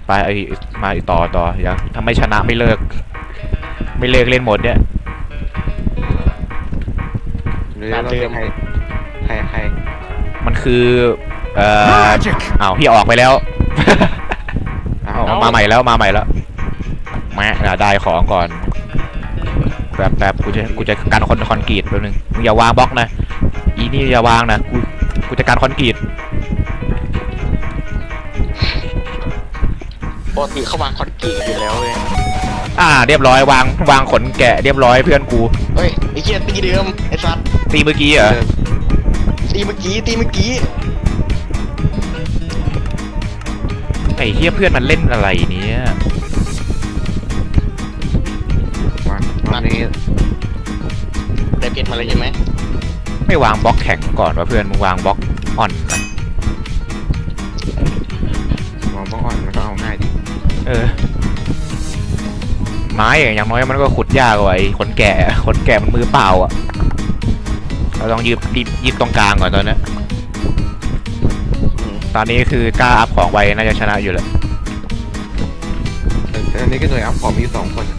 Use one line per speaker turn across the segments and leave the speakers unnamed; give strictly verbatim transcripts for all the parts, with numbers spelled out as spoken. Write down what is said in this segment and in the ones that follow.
ไปไอ้มาอีกต่อต่อยังถ้าไม่ชนะไม่เลิกไม่เลิกเล่นหมดเนี่ย
หรือเราจะใครใครใคร
มันคือเอ่ออ้าวพี่ออกไปแล้ว เอามาใหม่แล้วมาใหม่แล้วแม่ได้ของก่อนแบบแบบกูจะกูจะการคอนคอนกรีตแป๊บนึงมึงอย่าวางบล็อกนะอีนี่อย่าวางนะกูกูจะการคอนกรีต
ปกติเขาวางคอนกรีตอยู่แล้วเลย
อ่าเรียบร้อยวางวางขนแกะเรียบร้อยเพื่อนกู
เฮ้ยไอ้เหี้ยตีเดิมไอ้สัตว์
ตีเมื่อกี้เหรอ
ตีเมื่อกี้ตีเมื่อกี้
ไอ้เฮียเพื่อนมันเล่นอะไรเนี้ย
วันนี้
ได้เพชรมาเลยใช่ไหม
ไม่วางบล็อกแข็งก่อนวะเพื่อนมึงวางบล็อกอ่อนนะ
มองบ้องอ่อนมันก็เอาง่ายดิ
เออไม้อย่างน้อยมันก็ขุดยากกว่าไอ้ขนแกะขนแกะมันมือเปล่าอ่ะเราต้องยืดยืดตรงกลางก่อนตอนนี้ตอนนี้คือกล้าอัพของไวน่าจะชนะอยู่แหละ
แต่อันนี้ก็หน่วยอัพของมีสองคน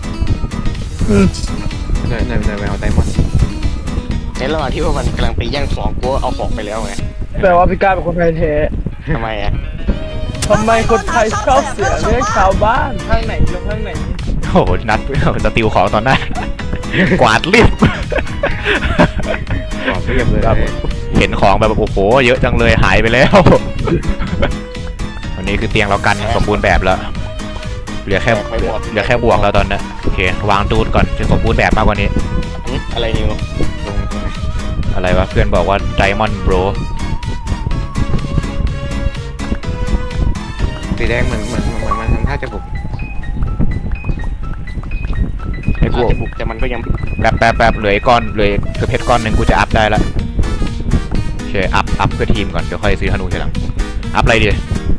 หน่วยหน่วยหน่วยไปเอาไดมอนด์
ในระหว่างที่พวกมันกำลังไปแย่งของกูเอาของไปแล้วไง
แปลว่าพี่ก้าเป็นคนไทยแท้
ทำไมอ่ะ
ทำไมคนไทยชอบเสียเรื่องชาวบ้านข้างไหนลงข้างไหน
โอ้โหนัดจะติวของตอนหน้า กวาดเรียบ
บอกเรียบเลย
เห็นของแบบโอ้โหเยอะจังเลยหายไปแล้ว วันนี้คือเตียงเรากันสมบูรณ์แบบแล้วเหลือแค่เหลือเหลือแค่บวกแล้วตอนนี้โอเควางดูดก่อนจะสมบูรณ์แบบมากกว่านี้
หึอะไรนิว
ลงตรงไหน
อะไรวะเพื่อนบอกว่า Diamond Bro
สีแดงเหมือนเหมือนเหมือนมันทำท่าจะบุก
ไอ้กู
อาจจะบุกแต่มันก็ยัง
แป๊บแป๊บแป๊บเหลือไอ้ก้อนเหลือคือเพชรก้อนหนึ่งกูจะอัพได้ละโอเคอัพอัพเพื่อทีมก่อนเดี๋ยวค่อยซื้อธนูทีหลังอัพอะไรดี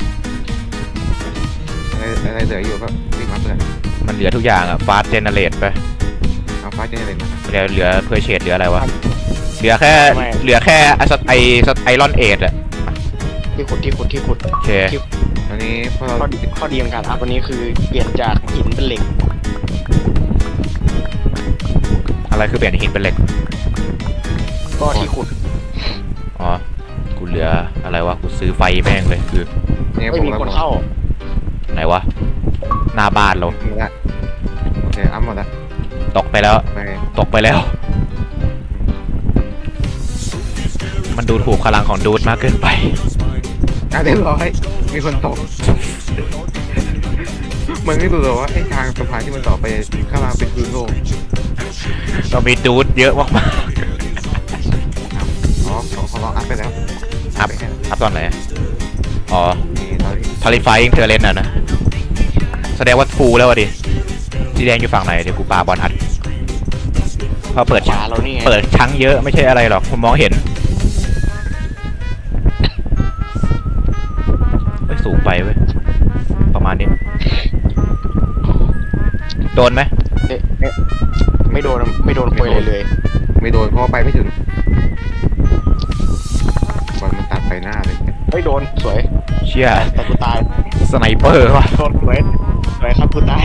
อะไรอะไรเหลืออยู่ก็รีบอัพเลย
มันเหลือทุกอย่างอะฟาสเจเนเรตไป
เอาฟ้าเจเนเรตมา
เหลือเหลือเพื่อเชดเหลืออะไรวะเหลือแค่เหลือแค่ไอไอไอรอนเอทอะ
ที่ขุดที่ขุดที่ขุด
โอเค
ตอนนี้พวกเรา
ข้อดีข้อดีของการอัพวันนี้คือเปลี่ยนจากหินเป็นเหล็ก
อะไรคือเปลี่ยนหินเป็นเหล็ก
ก็ที่ขุด
อ๋อกูเหลืออะไรวะกูซื้อไฟแม่งเลยคือ
เนี่ย
ไม่
ผม
มี
แล้ว
คนเข้า
ไหนวะหน้าบ้านเรา
หมดละโอเคอัพหมดละ
ตกไปแล้ว
ไป
ตกไปแล้ว มันดูถูกพลังของดูดมากเกินไป
อ่ะเรียบร้อยมีคนตกมันไม่รู้หรอว่าไอ้ทางสะพานที่มันต่อไปข้างล่างเป็นพื้นโล่ง
เรามีดูดเยอะมาก
อ๋อของของเราอัพไปแล้ว
ๆอัพ
ไปแค่
อัพตอนไหนอ๋อ
นี้เรา
ทาริฟายิงเธอเล่นอ่ะนะแสดงว่าฟูแล้ววะดิสีแดงอยู่ฝั่งไหนเดี๋ยวกูปาบอลอัดพอเปิด
ขวาเรานี่ไง
เปิดชั้งเยอะไม่ใช่อะไรหรอกผมมองเห็นเฮ้ยสูงไปเว้ยประมาณนี้โดนไหม
เอ๊ะเอ๊ะไม่โดนไม่โดนคุยเลยเลย
ไม่โดนเพราะว่าไปไม่ถึงบอลมันตัดไปหน้าเลย
ไม่โดนสวย
เชี่ย
แต่กูตาย
สไนเปอร์ว่ะ
โดนสวยสวยครับกูตาย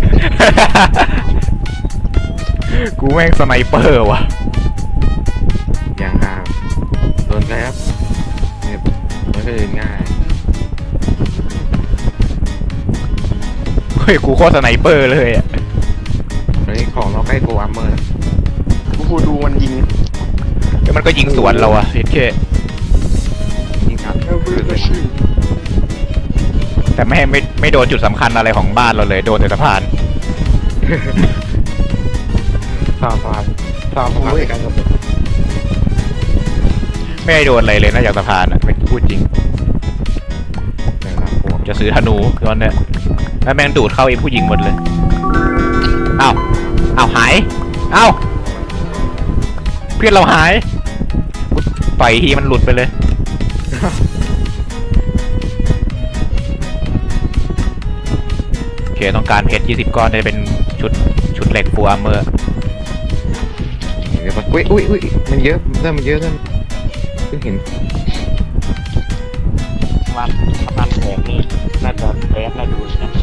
กูแม่งสไนเปอร์ว่ะ
อย่างง่ายโดนแกครับเนี่ยมันก็เลยง่าย
เฮ้ยกูโคตรสไนเปอร์เลยอ่ะ
ตอนนี้ของเราใกล้โกอัมเมอร์
กูดูมันยิง
แล้วมันก็ยิงสวนเราอ่ะเฮ็ดแค่
ยิงอัดคือเลย
แต่ไม่ไม่ไม่โดนจุดสำคัญอะไรของบ้านเราเลยโดนแต่สะพาน
สามพานสามพานในการกำหนด
ไม่ได้โดนอะไรเลยนอกจากสะพานอ่ะไม่พูดจริง
นะครับผม
จะซื้อธนูตอนเนี้ยแล้วแม่งดูดเข้าไอ้ผู้หญิงหมดเลยอ้าวอ้าวหายอ้าวเพื่อนเราหายกูปล่อยทีมันหลุดไปเลยโอเคต้องการเพชรยี่สิบก้อนได้เป็นชุดชุดเหล็กฟูอาร์เมอร์
เดี๋ยวมันอุ้ยอุ้ยอุ้ยมันเยอะเริ่มมันเยอะเริ่มเพิ่งเห็น
สะพานสะพานแขกนี่น่าจะแบดน่าดูนะ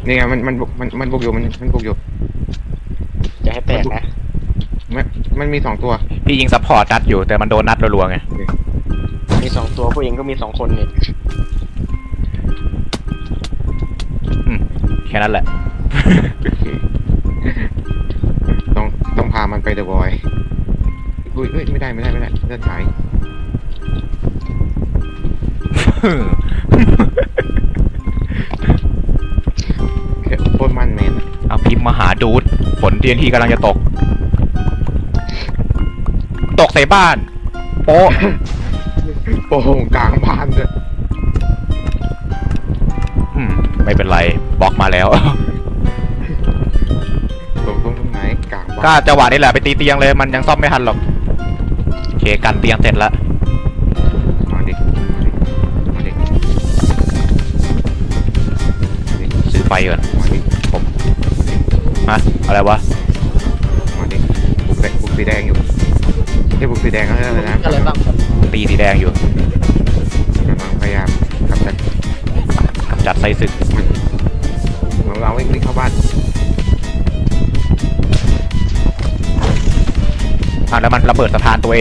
นี่ไงมันมันบุกมันมันบุกอยู่มันมันบุกอยู่
อย่าให้แตกนะ
มันมันมีสองตัว
พี่ยิงซัพพอร์ตนัดอยู่แต่มันโดนนัดรัวๆไง
มีสองตัวผู้หญิงก็มีสองคนนี่
อืมแค่นั้นแหละ
ต้องต้องพามันไปเดอะบอยอุ้ยเอ้ยไม่ได้ไม่ได้ไม่ได้เลือดหายแค่โคตรมันเมน
เอาพิมพ์มาหาดูดฝน ที เอ็น ที กำลังจะตก ตกใส่บ้าน โป๊ะ
โอ้โหกลางบ้านเลย
อืมไม่เป็นไรบล็อกมาแล้ว
ตรงตรงตรงไหนกลางบ้าน
ก็จังหวะนี้แหละไปตีเตียงเลยมันยังซ่อมไม่ทันหรอกโอเคกันเตียงเสร็จแล้ว
มาดิมาดิมาดิ
ซื้อไฟก่อน
มาดิ
ผมฮะอะไรวะ
มาดิบุกแดงบุกสีแดงอยู่ที่บุกสีแดงก็อะไรนะ
อะไรบ้างครับ
ตีสีแดงอยู่
กำลังพยายามกำจัด
กำจัดไส้ศึก
มันเราวิ่งวิ่งเข้าบ้าน
อ่ะแล้วมันระเบิดสะพานตัวเอง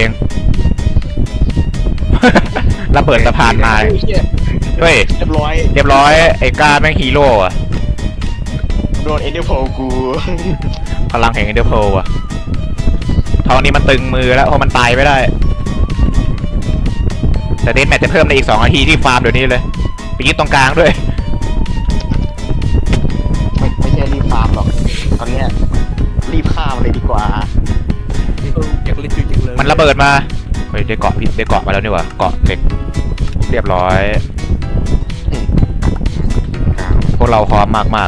ระเบิดสะพานมาเฮ้ย
เรียบร้อย
เรียบร้อยไอ้กล้าแม่งฮีโร่อะ
โดนเอเดอร์โพกู
พลังแห่งเอเดอร์โพอะทองนี้มันตึงมือแล้วเพราะมันตายไม่ได้ แต่เดนแมทจะเพิ่มในอีกสองนาทีที่ฟาร์มเดี๋ยวนี้เลยไปยึดตรงกลางด้วย
ไม่ไม่ใช่รีบฟาร์มหรอกตอนเนี้ยรีบฆ่ามันเลยดีกว่า
เอออยากเล่นจริงๆเลย
มันระเบิดมาเฮ้ยได้เกาะพี่ได้เกาะมาแล้วนี่หว่าเกาะเหล็กเรียบร้อย
กลาง
พวกเราพร้อมมากมาก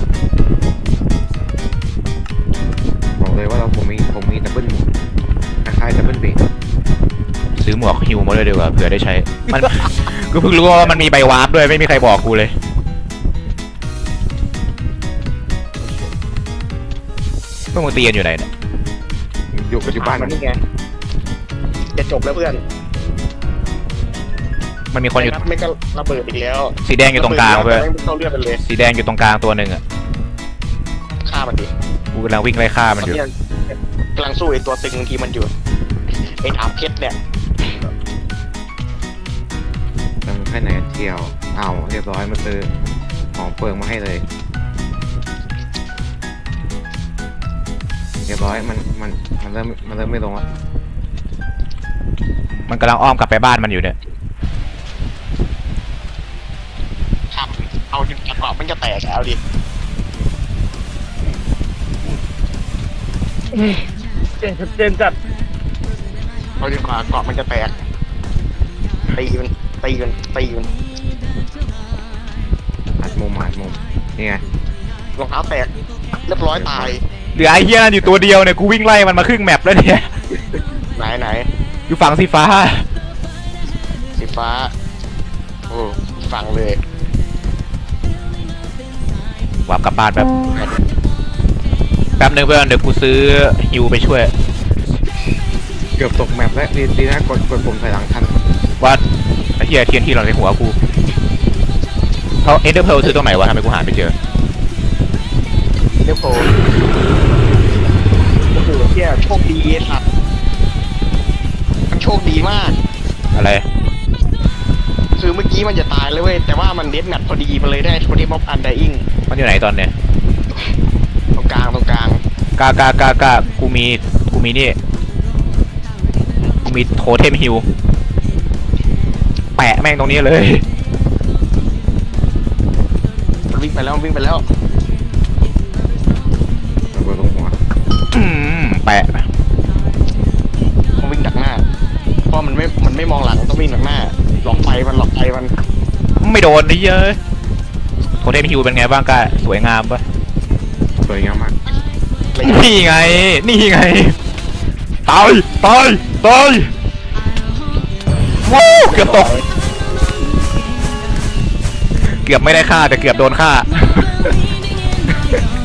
บอกเลยว่าเราผมมีผมมีดับเบิลคล้ายๆดับเบิลเบรก
ๆซื้อหมวกฮิวมาด้วยดีกว่าเผื่อได้ใช้ มัน กูเพิ่งรู้ว่ามันมีใบวาร์ปด้วยไม่มีใครบอกกูเลยพวกมึงตีกันอยู่ไหนเนี่ย
อยู่ปัจจุบัน
มันนี่ไงจะจบแล้วเพื่อน
มันมีคนอยู่
ไม่ก็ระเบิดอีกแล้ว
สีแดงอยู่ตรงกลางเว้ย
ไม่เข้าเลือดมันเลย
สีแดงอยู่ตรงกลางตัวหนึ่งอ่ะ
ฆ่ามันดิ
กูกำลังวิ่งไล่ฆ่า
ต
มั
อน น
อยู่
นี้กำลังสู้ไอ้ตัวตึงที่มันอยู่ไอ้ถามเพชรเนี่ย
ตั้งแค่ไหนเที่ยวเอาเรียบร้อยมาซื้อของเปิงมาให้เลยเรียบร้อยมันมันมันเริ่มมันเริ่มไม่ลงแล้ว
มันกำลังอ้อมกลับไปบ้านมันอยู่เนี่ย
ฆ่ามันเอาจนกระเป๋ามันจะแตกแล้วดิ
เจนชัดเจนจัด
เอาจนกว่าเกาะมันจะแตกตีมันตีมันตีมัน
อัดมุมอัดมุมนี่ไง
รองเท้าแตกเรียบร้อยตาย
เหลือไอ้เหี้ยนั่นอยู่ตัวเดียวเนี่ยกูวิ่งไล่มันมาครึ่งแมปแล้วเนี่ย
ไหนไหน
อยู่ฝั่งสีฟ้า
สีฟ้าโอ้ฟังเลย
วาร์ปกลับบ้านแป๊บแป๊บนึงเพื่อนเดี๋ยวกูซื้อฮิวไปช่วย
เกือบตกแมปแล้วดีดีนะกดกดปุ่มถอยหลังทัน
ว่าไอ้เหี้ยเทียนที่เราในหัวกูเขาเอเดอร์เพลซื้อตรงไหนวะทำไมกูหาไม่เจอ
เดี๋ยวโผล่โอ้โหเที่ยโชคดีไอ้สัตว์มันโชคดีมาก
อะไร
คือเมื่อกี้มันจะตายเลยเว้ยแต่ว่ามันเดดแมทพอดีมันเลยได้โทนี่ม็อบอันไดอิง
มันอยู่ไหนตอนเนี้ย
ตรงกลางตรงกลาง
กากากากากูมีกูมีนี่กูมีโทเทมฮิวแปะแม่งตรงนี้เลย
มันวิ่งไปแล้วมันวิ่งไปแล้ว
ระเบิดลงหัว
อืมแปะ
มันวิ่งดักหน้าเพราะมันไม่มันไม่มองหลังต้องวิ่งดักหน้าหลอกไปมันหลอกไปมัน
ไม่โดนดิเยอะโทเทมฮิวเป็นไงบ้างกะสวยงามปะ
สวยงามมาก
เลย
นี่ไง นี่ไง ตาย ตาย ตาย ว้าวเกือบตก เกือบไม่ได้ฆ่าแต่เกือบโดนฆ่า